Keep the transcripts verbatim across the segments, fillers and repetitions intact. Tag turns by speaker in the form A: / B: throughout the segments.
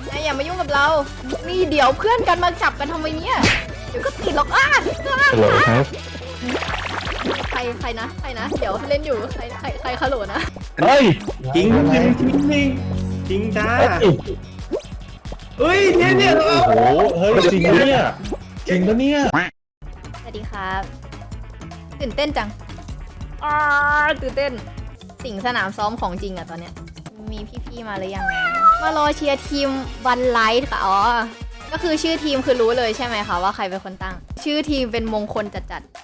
A: นายอย่ามายุ่งกับเรา นี่เดี๋ยวเพื่อนกันมาจับกันทำไมเนี่ยเดี๋ยวก็ติดหรอกอ้า
B: ฮัลโหลครับ
A: ใครใครนะใครนะเดี๋ยวเล่นอยู่ใครใครใครฮัลโหลนะ
B: เฮ้ย
C: จริง
B: อะไร
C: จริงจริงจริงจ้า
B: เฮ้ย
C: เฮ้ยเนี่ยเนี่ย
B: โอ้โหเฮ้ยจริงปะเนี่ยจริงปะเนี่ย
A: สวัสดีครับตื่นเต้นจังอ้าตื่นเต้นสิงสนามซ้อมของจริงอะตอนเนี้ยมีพี่ๆมาหรือยังมารอเชียร์ทีมวันไลท์ค่ะอ๋อก็คือชื่อทีมคือรู้เลยใช่ไหมคะว่าใครเป็นคนตั้ง ชื่อทีมเป็นมงคลจัดๆ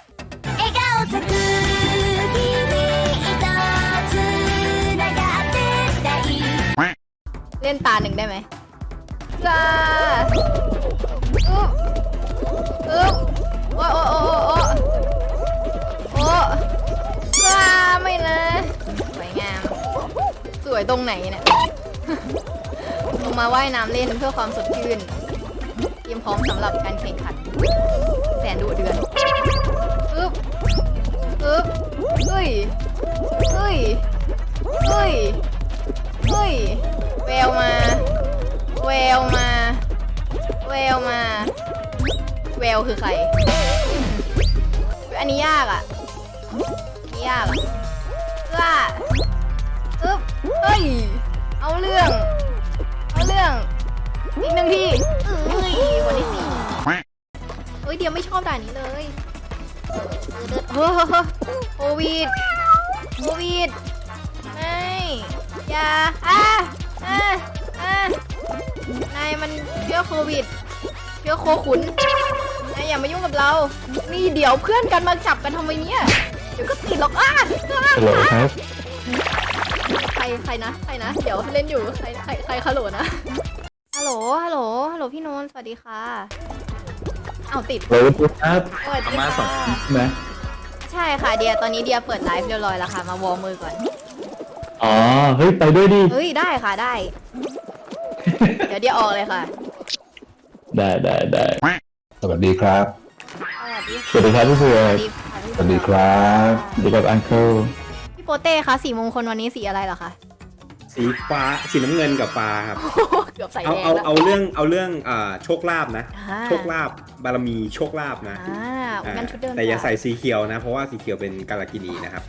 A: เล่นตาหนึ่งได้ไหมจ้าอึ๊บอึ๊บโอ้โอ้โอ้โอ้โอ้จ้าไม่นะสวยงามสวยตรงไหนเนี่ย ลงมาว่ายน้ำเล่นเพื่อความสดชื่นเตรียมพร้อมสำหรับการแข่งขันแสนดุเดือดอึ๊บอึ๊บเฮ้ยเฮ้ยเฮ้ยเฮ้ยแววมาแววมาแววมาแววคือใครอันนี้ยากอ่ะอันนี้ยากอ่ะว่าอึ๊บเฮ้ยเอาเรื่องเอาเรื่องอีกหนึ่งทีเอ้ยคนที่สี่เฮ้ยเดี๋ยวไม่ชอบด่านนี้เลยเฮ้ยโควิดโควิดไม่อย่าอ่ะอ่ะอ่ะนายมันเชื้อโควิดเชื้อโคขุนนายอย่ามายุ่งกับเรา นี่เดี๋ยวเพื่อนกันมาจับกันทำไมเนี่ยเดี๋ยวก็ติดหรอกอ้า
B: ฮัลโหลครับ
A: ใครใครนะใครนะเดี๋ยวเล่นอยู่ใครใครใครฮัลโหลนะฮัลโหลฮัลโหลฮัลโหลพี่นนท์สวัสดีค่ะเอาติด
B: ฮัลโหลครับ
A: สวัสดี
B: มาสอง
A: ค่ะ
B: นะ
A: ใช่ค่ะเดียตอนนี้เดียเปิดไลฟ์เรียบร้อยแล้วค่ะมาวอร์มมือก่อน
B: อ๋อเฮ้ยไปด้วยดิ
A: เฮ้ยได้ค่ะได้ เดี๋ยวเดียออกเลยค่ะ
B: ได้ได้ได้สวัสดีครับ
A: สวัสดี
B: สวัสดีครับพี่เผือ
A: สวั
B: ก
A: สดีค่ะพี่
B: สวัสดีครับสวัสดีครับอังเคิล
A: พี่โปเต้คะสีมงคลวันนี้สีอะไรเหรอคะ
C: สีฟ้าสีน้ำเงินกับฟ้าครับ
A: เกือบใส่
C: เอา
A: แดง
C: เอา
A: แล้ว
C: เอาเรื่องเอาเรื่องอ่าโชคลาภนะ
A: อ่า
C: โชคลาภบารมีโชคลาภนะ
A: อ่า
C: อ่า
A: งั้นชุดเดิม
C: แต่อย่า
A: ค่ะ
C: ใส่สีเขียวนะ เพราะว่าสีเขียวเป็นกาลกินีนะครับ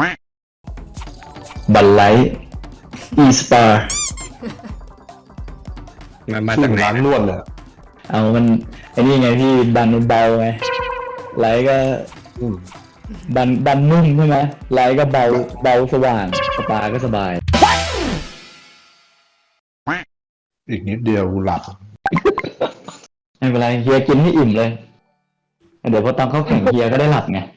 B: บัลไลท์อีสปา
C: มันมา
B: ชื่
C: จาก
B: อ
C: ไหน
B: ร้าน
C: นะ
B: นวดเลยเอามันไอ้นี่ไงพี่ดันมันเบาไงไลท์ก็ดันดันนุ่มใช่ไหมไลท์ก็เบาเบาสว่างสปาก็สบาย
D: อีกนิดเดียวหลับ
B: ไม่เป็นไรเฮียกินให้อิ่มเลย เดี๋ยวพอตอนเขาแข่งเฮียก็ได้หลับไง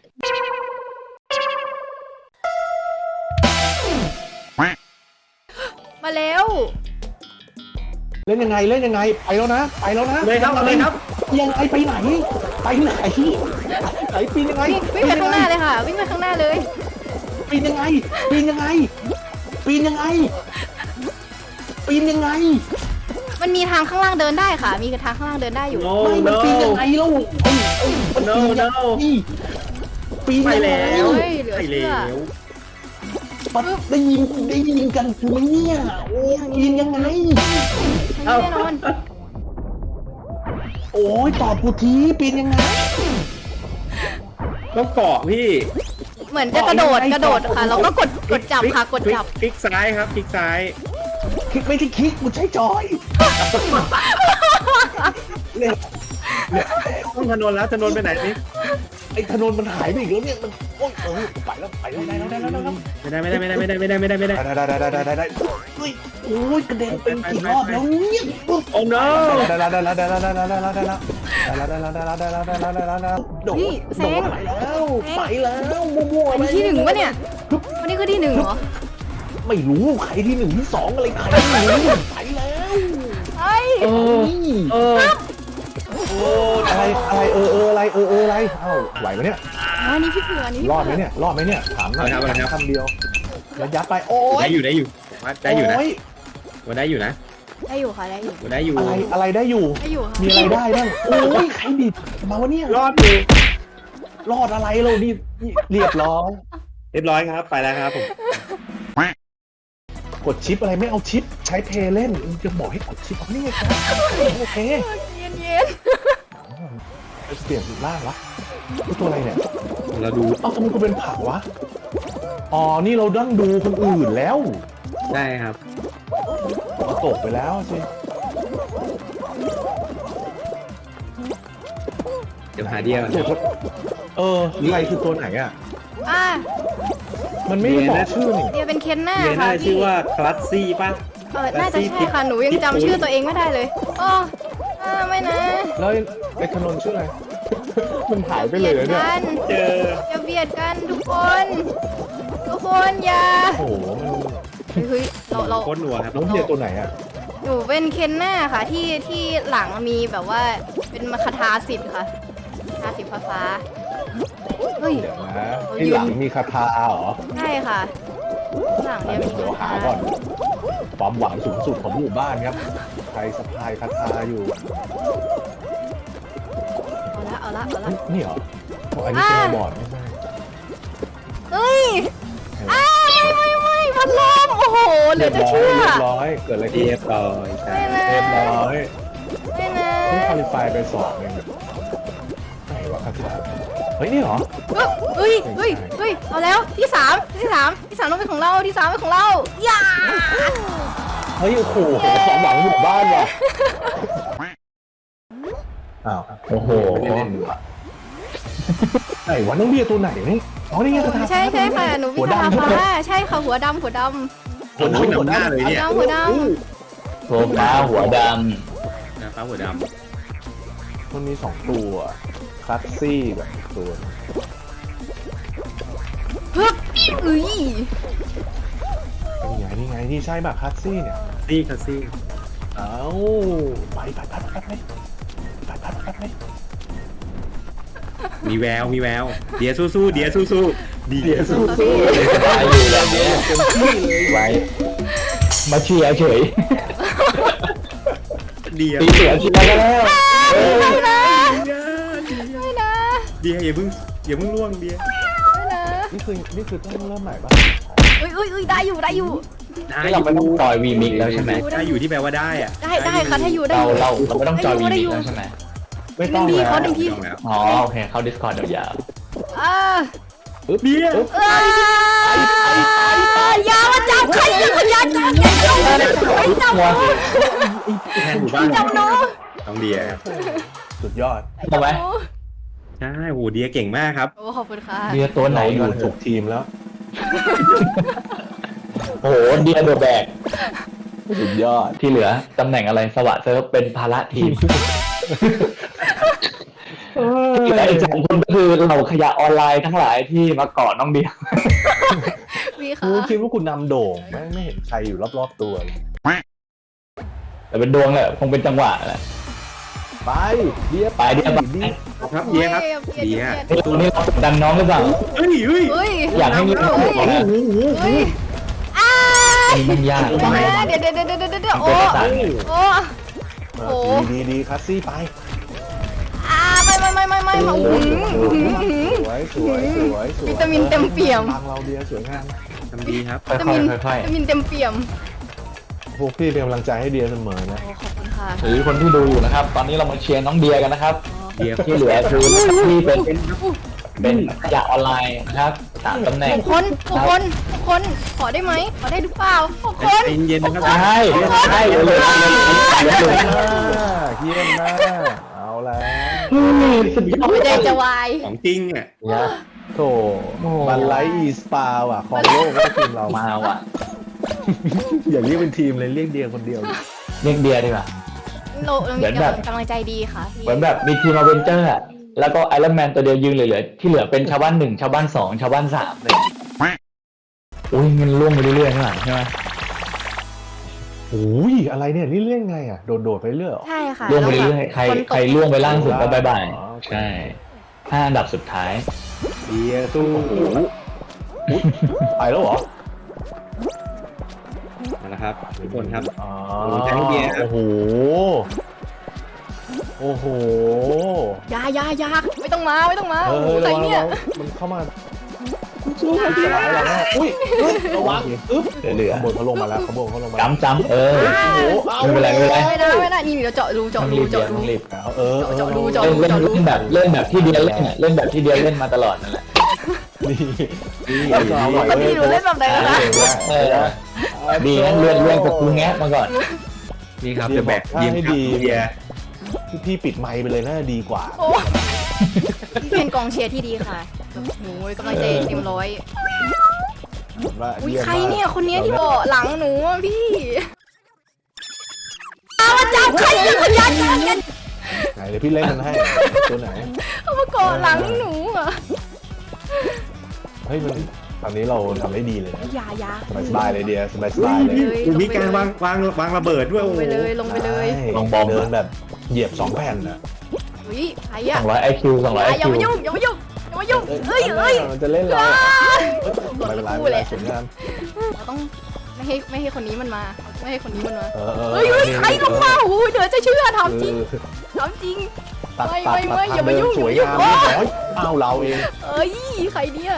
A: มาแล้ว
D: เล่นยังไงเล่นยังไงไปแล้วนะไปแล้วนะ
C: เลยครับเลยครับ
D: ยังไงไปไหนไปไหนไหนปีนยังไง
A: วิ่งวิ่งไปข้างหน้าเลยค่ะ วิ่งไปข้างหน้าเลย
D: ปีนยังไงปีนยังไงปีนยังไงปีนยังไง
A: มันมีทางข้างล่างเดินได้ค่ะ มีทางข้างล่างเดินได้อยู่
C: no
D: ไม่มัน
C: no
D: ปีนยังไงลูกเอ้ยเอ้ยมันปีน
C: no
D: ยัง
C: no
D: ไงปีน
C: ไป
D: ยังไง
C: แล้ว
A: เฮ้ยเหลือ
C: ไป
A: เชื่
C: แล้
A: อ
C: ว
D: มันได้ยินได้ยินกันไหมเนี่ยโอ้ยปีนยังไง
A: แน่นอน
D: โอ้ยตอบกูทีปีนยังไง
C: ต้องเกาะพี่
A: เหมือนจะกระโดดกระโดดค่ะ เราก็กดกดจับค่ะกดจับ
C: คลิกซ้ายครับคลิกซ้าย
D: คลิกไม่ใช่คลิกกูใช้จอยเนี่ยเนี่ย
C: ต้องถนนแล้วถนนไปไหนนี่
D: ไอ้ถนนมันหายไปอีกแล้วเนี่ยมันโอ้ยเออไปแล้วไปแล้วได้แล้วได้แล้วได้แล้ว
C: ไม่ได้ไม่ได้ไม่ได้ไม่ได้ไม่ได้ไม่ได้ไม่ได้
D: ได้ได้ได้ได้ได้ได้เฮ้ยโอ้ยกระเด็นเป็นกี่รอบแล้วเนี่ยปุ๊บ
C: โอ้ no
D: ได้แล้วได้แล้วได้แล้วได้แล้วได้แล้วได้แล้วได้แล้วได้แล้วได้แล้วได้แล้วได้แล้วได้แล้วได้แล้วโดด
A: นี่แซ
D: โด
A: ง
D: ดไปแล้วไปแล้วมั่วๆ
A: อันนี้ที่หนึ่งวะเนี่ยวันนี้คือที่หนึ่งเหรอ
D: ไม่รู้ใครที่หนึ่งที่สองอะไรใครไม่รู้ไปแล้ว
A: เฮ้ย
B: เออ
C: เออ
D: โอ้อะไรอะไรเออเอออะไรเออเอออะไรเอ้าไหวไหมเนี่ย
A: อันนี้พี่เผือกอันนี้พี่
D: รอดไหม
A: เผือก
D: เนี่ยรอดไหมเนี่ยถามหน่อยถามคำเดียวแล้วยัดไปโอ้ย
C: ได้อยู่ได้อยู่ว่าได้อยู่นะ
D: โ
C: ว่าได้อยู่นะ
A: ได้อยู่ค่ะได้อยู่
C: ว่าได้อยู่
D: อะไรอะไรได้อยู่
A: ได้อยู่ค่ะ
D: มีอะไรได้บ้างโอ้ยใครดิบมาวะเนี่ย
C: รอดอยู่
D: รอดอะไรเรานี่เรียบร้อย
C: เรียบร้อยครับไปแล้วครับผม
D: กดชิปอะไรไม่เอาชิปใช้เพย์เล่นมึงจะบอกให้กดชิปเอานี่ไงครับโอเค
A: เย็นเย็น
D: ไปเปลี่ยนสุดล่างวะนี่ตัวอะไรเนี่ย
C: เราดู
D: เอ้าทำไมกูเป็นผักวะอ๋อนี่เราดั้งดูคนอื่นแล้ว
C: ได้ครับ
D: เราตกไปแล้วสิ
C: เดี๋ยวหาเดียว
D: ตัวเออใครคือตัวไหนอ่ะ
A: อ่ะ
D: มันไม่ได้บอกชื่อนี่
A: เดียเป็นเคนหน้า
C: เดีย
A: ค่ะ
C: น่าจะ
A: พี่
C: ชื่อว่าคลัสซี่ป่ะ
A: เออน่าจะใช่ค่ะหนูยังจำชื่อตัวเองไม่ได้เลยอ๋ออ่าไม่นะ
D: แล้วไอ้ถนนชื่ออะไร มันหายไปเลยเหรอเนี่ย
A: กัน
C: เจอ
A: อย่าเบียดกันทุกคน ทุกคนอย่า
D: โอ้โหมัน
A: เฮ้ยเราเรา
C: โคตรหนัวครับ
D: น้องเดียตัวไหนอ่ะ
A: หนูเป็นเคนหน้าค่ะที่ที่หลังมีแบบว่าเป็นคาถาสิทธิ์ค่ะคาถาสิทธิ์ฟ้าๆเฮ้ย
D: เดี๋ยวนะ
A: เขา
D: ไอ้
A: ยืน
D: หลังมีคาถาเหรอ
A: ใช่ค่ะหลังเนี่ยมี
D: เดี๋ยว
A: คา
D: หา
A: ถา
D: ก่อน ความหวังสูงสุดของหมู่บ้านครับ ใครสะพายคาถาอยู่
A: เอาละเอาละเอาละ
D: เฮ้ยนี่เหรอโอ้อันนี้เป็นบอร์ดไม่ใช่
A: เฮ้ยอ้าไม่ไม่ไม่พัดลมโอ้โหเหลือจะเชื่อ
D: เรียบร้อยเกิดอะไรขึ้น
C: เรียบร้อยใช่
A: ไม่นะ
D: เรียบร้อย
A: ไม่นะ
D: นี่คอลิฟายไปสองเองไหนวะคาถาเฮ้ยนี่เหรอ
A: เฮ้ยเฮ้ยเฮ้ยเอาแล้วที่สามที่สามที่สามต้องเป็นของเราที่สามเป็นของเราอย่า
D: เฮ้ยโอ้โหความหวังหมู่บ้านว่ะอ้าว
B: โอ้โห
D: ไหนวะน้องเบียร์ตัวไหนนี่อ๋อนี่ไงคาถา
A: ใช่ใช่ค่ะหนู
D: หั
A: วิ
D: ว
A: ชา
D: ดำ
A: ฟ้าใช่ค่ะหัวดำหัวด
C: คนนู้นหน้าเลย
A: ำ
C: เนี่ย
A: ดำหัวด
B: ตัวฟ้าหัวด
C: หน้าฟ้าหัวด
D: มันมีสองตัวคลัสซี่กับอีกตัว
A: ำฮึบอุ้ย
D: นี่ไงนี่ไงนี่ใช่ป่ะคลัสซี่เนี่ย
C: ำซี่คลัสซี่
D: เอ้าไปไปไปไปไปไปไปไปไป
C: มีแววมีแววเดียสู้ๆเดียสู้ๆเดียสู้
B: ำสบายอยู่แบบเนี้ยไว้มาเชียร์เฉย
C: เดีย
B: ตีเสือเชียร์กันแล้วเออ
A: ไม่นะ
C: เดีย
A: ไม่นะ
C: เดียอย่าเพิ่งอย่าเพิ่งล่วงเดีย
A: ไม่นะ
D: นี่คือนี่คือต้องเริ่มใหม่ป่ะ
A: อุ้ยอุ้ยอุ้ยได้อยู่ได้อยู่
C: ได้
B: นี่
C: อ
B: เรา
C: ยู่
B: ไม่ต้องจอยวีมิกแล้วใช่ไหม
C: ได้อยู่ที่แปลว่าได้อะ
A: ได้ได้ค่ะถ้าอยู่ได้
B: เรา
A: อยู่
B: เราเราไม่ต้องจอยวีมิกแล้วใช่ไหม
D: ไม่ต้อง
A: พี่
D: แล้ว
A: เขาดึงพี่
C: ต้องแล้ว
B: อ๋อโอเคเข้า Discord ยาว
A: อ่า
D: ปึ๊บ
C: เดีย
D: ปึ๊บ
A: อ่าอย่ามาจับใครอย่ามาจับอย่าจับไม่จับ
B: ๆหัว
C: แทนหมู่บ้าน
A: จับหนู
C: น้องเดีย
D: สุดยอด
B: ทำไหม
C: ใช่โหเดียเก่งมากครับ
A: โอ้ขอบคุณค่ะ
B: เดียตัวไหน
D: เราอ
B: ก่อยู่ น
D: ถูกทีมแล้ว
B: โอ้โหเดียเดอะแบก
D: สุดยอด
B: ที่เหลือตำแหน่งอะไรสวัสดิ์เซิร์ฟเป็นภาระทีมที่เหลืออีกสองคนก็คือเหล่าขยะออนไลน์ทั้งหลายที่มาเกาะน้องเดีย
A: พี่
D: กู
A: ค่ะ
D: คิดว่าคุณนำโด่งไม่ไม่เห็นใครอยู่รอบๆตัวเลย
B: แต่เป็นดวงแหละคงเป็นจังหวะแหละ
D: ไปเดีย
B: ไปเดียไป
D: ดี
C: ครับเดียครับเดีย
B: นี่ตัวนี้เรากดดันน้องหรือเปล่า
C: เฮ้ยเฮ้ย
A: เฮ้ย
B: อยากให้มี
A: เฮ้ย
C: โอ้โห
A: เฮ้ยอ้า
B: มันยาก
A: เดี๋ยวนะเดี๋ยวเดี๋ยวเดี๋ยวเดี๋ยวเดี๋ยวโอ้ โอ้
D: เออดีดีดีคลัสซี่ไป
A: อาไม่ไม่ไม่ไม่ไม่มาอื้อหืออื้อหืออื้อหือ
D: สวยสวยสวยสวย
A: วิตามินเต็มเปี่ยม
D: ทางเราเดียสวยงาม
C: ทำดีครับ
B: ค่อย
A: วิตามิน
B: ๆค่อย
A: วิตามินเต็มเปี่ยม
D: พวกพี่เป็นกำลังใจให้เดียเสมอนะ
A: โอ้ขอบคุณค่ะ
B: ๆหรือคนที่ดูอยู่นะครับ ตอนนี้เรามาเชียร์น้องเดียกันนะครับ
C: เดีย
B: ที่เหลือคือที่เป็นเป็นขยะออนไลน์นะครับสามตำแหน่ง
A: ทุกคนทุกคนทุกคนขอได้ไหมขอได้หรือเปล่าทุกคน
C: ใจเย็นๆนะครับ
B: ใช่ใช่เลยเลยเลย
D: เยี่ยมมากเอาแล้ว
B: สุดยอด
A: หัวใจจะวาย
C: ของจริงอ่ะ
D: เนี่ยโถบันไลอีสปาว่ะของโลกก็ทีมเรา
B: มาว่ะ
D: อย่าเรียกเป็นทีมเลยเรียกเดียคนเดียว
B: เรียกเดียดีกว่า
A: เราเรามีกำลังใจดีค่ะพี่
B: เหมือนแบบมีทีมอเวนเจอร์อะแล้วก็ไอรอนแมนตัวเดียวยืนเหลือๆที่เหลือเป็นชาวบ้านหนึ่งชาวบ้านสองชาวบ้านสามเลยอุ้ยมันล่วงไปเรื่อยๆข้างหลังใช่ไหม
D: โอ้ยอะไรเนี่ยนี่เรื่องไงอ่ะโดดโดดๆไปเรื่อยเหรอ
A: ใช่ค่ะ
B: ล่วงไปเรื่อยๆใคร
A: คนตก
B: ใครล่วงไปล่างสุดก็บายบาย
D: อ๋อโอเค
B: ใช่ห้าอันดับสุดท้าย
D: เดียสู้โอ้โหอุ๊ยไปแล้วเหรอ
C: มาแล้วครับทุกคนครับ
D: อ๋อ
C: โอ้โหแทงเดีย
D: โอ้โหโอ้โห
A: อยาอยาอยาไม่ต้องมาไม่ต้องมา
D: เอ
A: โอ้โห
D: อ
A: ใคร
D: ระวัง
A: เนี่ย
D: ระวังมันเข้ามาสู้กันดีอะไรนะอุ้ยอุ้ยระวังอึ๊บ
B: เหลือ
D: ขบวนเขาลงมาแล้วขบวนเขาลงมา
B: จำจำเออ
D: โอ้โหเอา
B: ไม่เป็นไรไม่เป็นไร
A: ไม่ได้ไม่ได้นี่เดี๋ยวเจาะรูเจาะ
B: ต้อง
A: รู
B: รีบเดียว
A: เจาะรู
B: ต้องรีบ
D: เอาเออเออ
A: เจาะรูเจาะ
B: เล่นเล่นเล่นแบบเล่นแบบที่เดียวเล่นอ่ะเล่นแบบที่เดียวเล่นมาตลอดนั่นแหละ
D: นี่นี่เอาหน่อย
A: ปกติหนูเล่นแบบไหนกันนะ
B: เออดีนะเรียนเรียนกับครูแงะมาก่อน
C: นี่ครับจะแบก
D: ถ้า
C: ยิม
D: ให้
C: ครับ
D: ดี
C: เดีย
D: พี่ปิดไมค์ไปเลยน่าจะดีกว่า
A: โอ้เป็นกองเชียร์ที่ดีค่ะหนูกำลังใจเต็มร้อย
D: ว่า
A: อุ้ย
D: เยี่ม
A: ใคร
D: มาก
A: เนี่ยคนเนี้ยที่เบาะหลังหนูอะพี่เอามาจับใครเนี่ยคนยัดยัดยัด
D: ไหนเดี๋ยวพี่เล่นมันให้ตัวไหน
A: เอามาเกาะหลังหนูอะ
D: เฮ้ยมันตอนนี้เราทำได้ดีเลยนะ
A: อยาอยา
D: สบายสบายเลยเดียสบายสบายเลย
A: ฮ้ย
C: มีการวางวางวางระเบิดด้วย
A: ล
C: โอ้
A: ง
C: โห
A: ไปเลยลงไปเลย
D: ใช่
B: ลองบอม
D: เดินแบบเหยียบสองแผ่นนะ
A: อุ้ยใคร
B: ส
A: อะ
B: องร้อยไอคิวสองร้อยไอ
A: อย่า
B: คิว
A: มายุ่งอย่ามายุ่งอย่ามายุ่งเอ้ยเอ้ย
D: มันจะเล่นเรา
A: อ้า
D: ไม่เป็นไร
A: คู่
D: ไม่เป็น
A: เล
D: ไร
A: ย
D: สวยงาม
A: เราต้องไม่ให้ไม่ให้คนนี้มันมา ไม่ให้คนนี้มันมา
D: เออเออ
A: เฮ้ยเฮ้ยใครลงมาโอ้ยเดี๋ยวจะเชื่อทำจริง
D: เออ
A: ทำจริง
D: ตัด
A: ไม่
D: ตัด
A: ไม่
D: ตัด
A: ไม่อย่ามายุ่ง
D: ทำเดินสวย
A: อย่าง
D: าม
A: มายุ่ง
D: เรียบร้อยอ้าวเราเอง
A: เอ้ยใครเนี่ย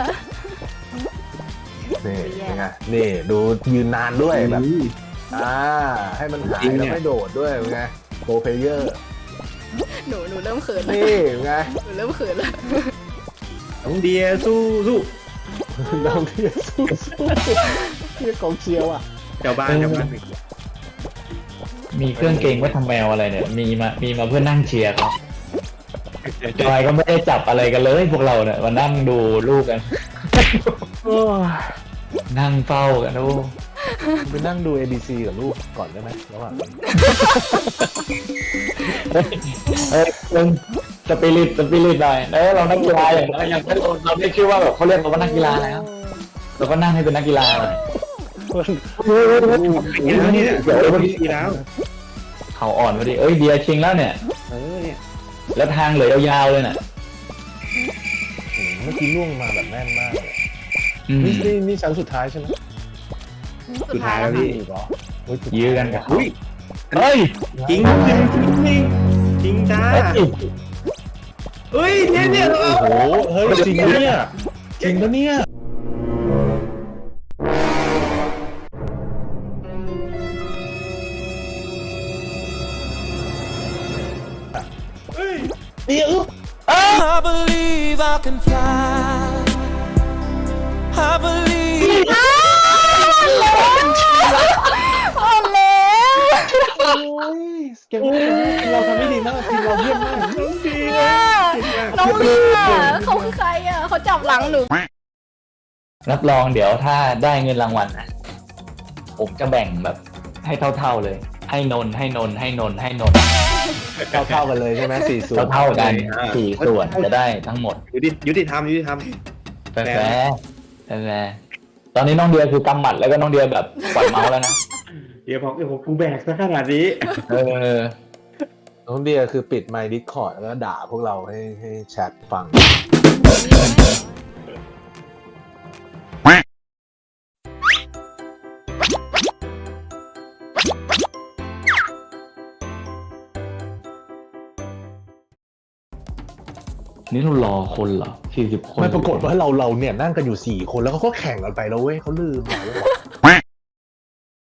D: นี่เป็นไงนี่ดูยืนนานด้วยแบบอ่าให้มันหายแล้วไม่โดดด้วยเป็นไงโปรเพลเยอร์
A: หนูหนูเริ่มเขินแล้ว
D: นี่เป็นไง
A: หนูเริ่มเขินแล้ว
C: น้องเดียสู้สู้
D: น้องที่สู้สู้ที่กองเชียร์ว่ะ
C: เจ้าบ้านเจ้าบ้านหนึ่ง
B: มีเครื่องเกงไว้ทำแมวอะไรเนี่ยมีมามีมาเพื่อนั่งเชียร์เขาจอยก็ไม่ได้จับอะไรกันเลยพวกเราเนี่ยมานั่งดูลูกกันนั่งเฝ้ากันดู
D: ไปนั่งดู เอ บี ซี กับลูกก่อนได้ไหมระหว่างนี้
B: เอ้ยเรื่องสปิริตสปิริตหน่อยเออเรานักกีฬาอย่างเรายังไม่เราไม่ชื่อว่าแบบเขาเรียกเราว่านักกีฬาแล้วเราก็นั่งให้เป็นนักกีฬาหน่อย
C: อย่างนี้เนี่ยเดี๋ยววันนี้แล้ว
B: เขาอ่อนพอดีเอ้ยเดียชิงแล้วเนี่ย
C: เออเนี่ย
B: แล้วทางเหลือยาวๆเลยน่ะ
D: อืมเมื่อกี้ล่วงมาแบบแม่นมากเลย
B: อืม
D: นี่นี่นี่ชั้นสุดท้ายใช่ไหม
C: สุดท้ายแล้วพี่
D: อีกเหรอโอ้สุดท้า
B: ยื้อกันกับเขา
C: อุ้ย
B: เฮ้ย
C: จริงจริงจริงจริงจริงจ้า
B: เฮ้ย
C: เฮ้ยเนี่ยเนี่ย
D: โอ้โหเฮ้ยจริงปะเนี่ยจริงปะเนี่ย
C: เฮ้ย
D: นี่อึ๊บ
E: I believe I can fly. I believe.
A: อ่อนแล้ว
D: โอ้ยเก่งมากเราทำได้ดีมากทีมเราเยี่ยมมาก
A: เนี่ยน้องเลียเขาคือใครอ่ะเขาจับหลังหนู
B: รับรองเดี๋ยวถ้าได้เงินรางวัลนะผมจะแบ่งแบบให้เท่าๆเลย ให้นนท์ให้นนท์ให้นนท์ให้นนท์
D: เท่าเท่าๆกันเลยใช่ไหมสี่ส่วน
B: เท่าๆกันสี่ส่วนจะได้ทั้งหมด
C: ยุติยุติธรรมยุติธรรม
B: แฟร์แฟร์แฟร์ตอนนี้น้องเดียคือกำหมัดแล้วก็น้องเดียแบบปล่อยเมาส์แล้วนะ
C: เดี๋ยวบอกเดี๋ยวผมกูแบกซะขนาดนี้
B: เออ
D: น้องเดียคือปิดไมค์ดิสคอร์ดแล้วด่าพวกเราให้ให้แชทฟัง
B: นี่เรารอคนเหรอสี่สิบคน
D: ไม่ปรากฏว่าเราเราเนี่ยนั่งกันอยู่สี่คนแล้วเขาก็แข่งกันไปแล้วเว้ยเขาลืมเราแล้ว